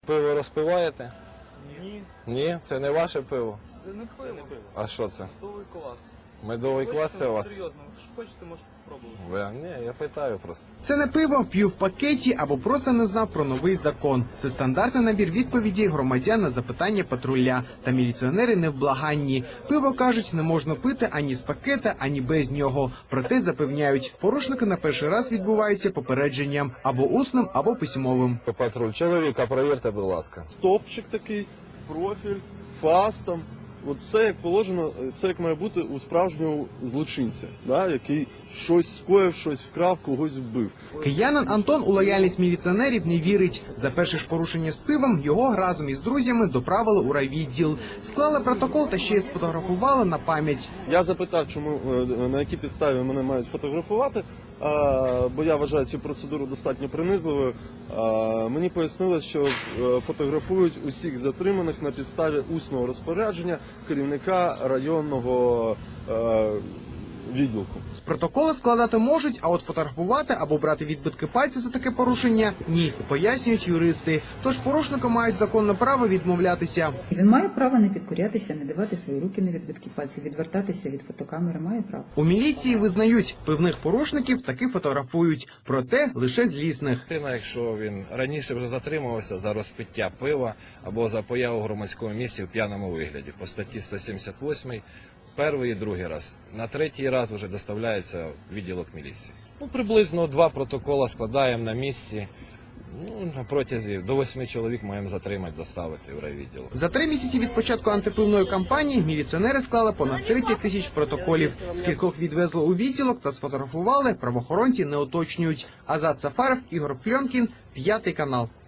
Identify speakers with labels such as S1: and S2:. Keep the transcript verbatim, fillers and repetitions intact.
S1: Пиво розпиваєте?
S2: Ні.
S1: Ні, це не ваше пиво.
S2: Це не пиво.
S1: А що це?
S2: Медовий квас.
S1: Медовий квас це у вас?
S2: Серйозно, якщо хочете, можете спробувати.
S1: Ви? Ні, я питаю просто.
S3: Це не пиво, п'ю в пакеті або просто не знав про новий закон. Це стандартний набір відповідей громадян на запитання патруля. Та міліціонери невблаганні. Пиво, кажуть, не можна пити ані з пакета, ані без нього. Проте запевняють, порушники на перший раз відбуваються попередженням або усним, або письмовим.
S1: Патруль, чоловіка, провірте, будь ласка.
S4: Стопчик такий, профіль, фас там. От все як положено, все як має бути у справжнього злочинця, да, який щось скоїв, щось вкрав, когось вбив.
S3: Киянин Антон у лояльність міліціонерів не вірить. За перше ж порушення з пивом його разом із друзями доправили у райвідділ. Склали протокол та ще й сфотографували на пам'ять.
S4: Я запитав, чому е, на якій підставі мене мають фотографувати, а, бо я вважаю цю процедуру достатньо принизливою. А, мені пояснили, що е, фотографують усіх затриманих на підставі усного розпорядження керівника районного е, відділку.
S3: Протоколи складати можуть, а от фотографувати або брати відбитки пальців за таке порушення – ні, пояснюють юристи. Тож порушники мають законне право відмовлятися.
S5: Він має право не підкорятися, не давати свої руки на відбитки пальців, відвертатися від фотокамери, має право.
S3: У міліції визнають, певних порушників таки фотографують, проте лише злісних.
S1: Дитина, якщо він раніше вже затримувався за розпиття пива або за появу в громадському місці в п'яному вигляді по статті сто сімдесят восьмій, перший і другий раз. На третій раз вже доставляється в відділок міліції. Ну, приблизно два протоколи складаємо на місці. Ну, на протязі до восьми чоловік маємо затримати, доставити в райвідділок.
S3: За три місяці від початку антипивної кампанії міліціонери склали понад тридцять тисяч протоколів. Скількох відвезли у відділок та сфотографували, правоохоронці не уточнюють. Азат Сафаров, Ігор Пльонкін, П'ятий канал.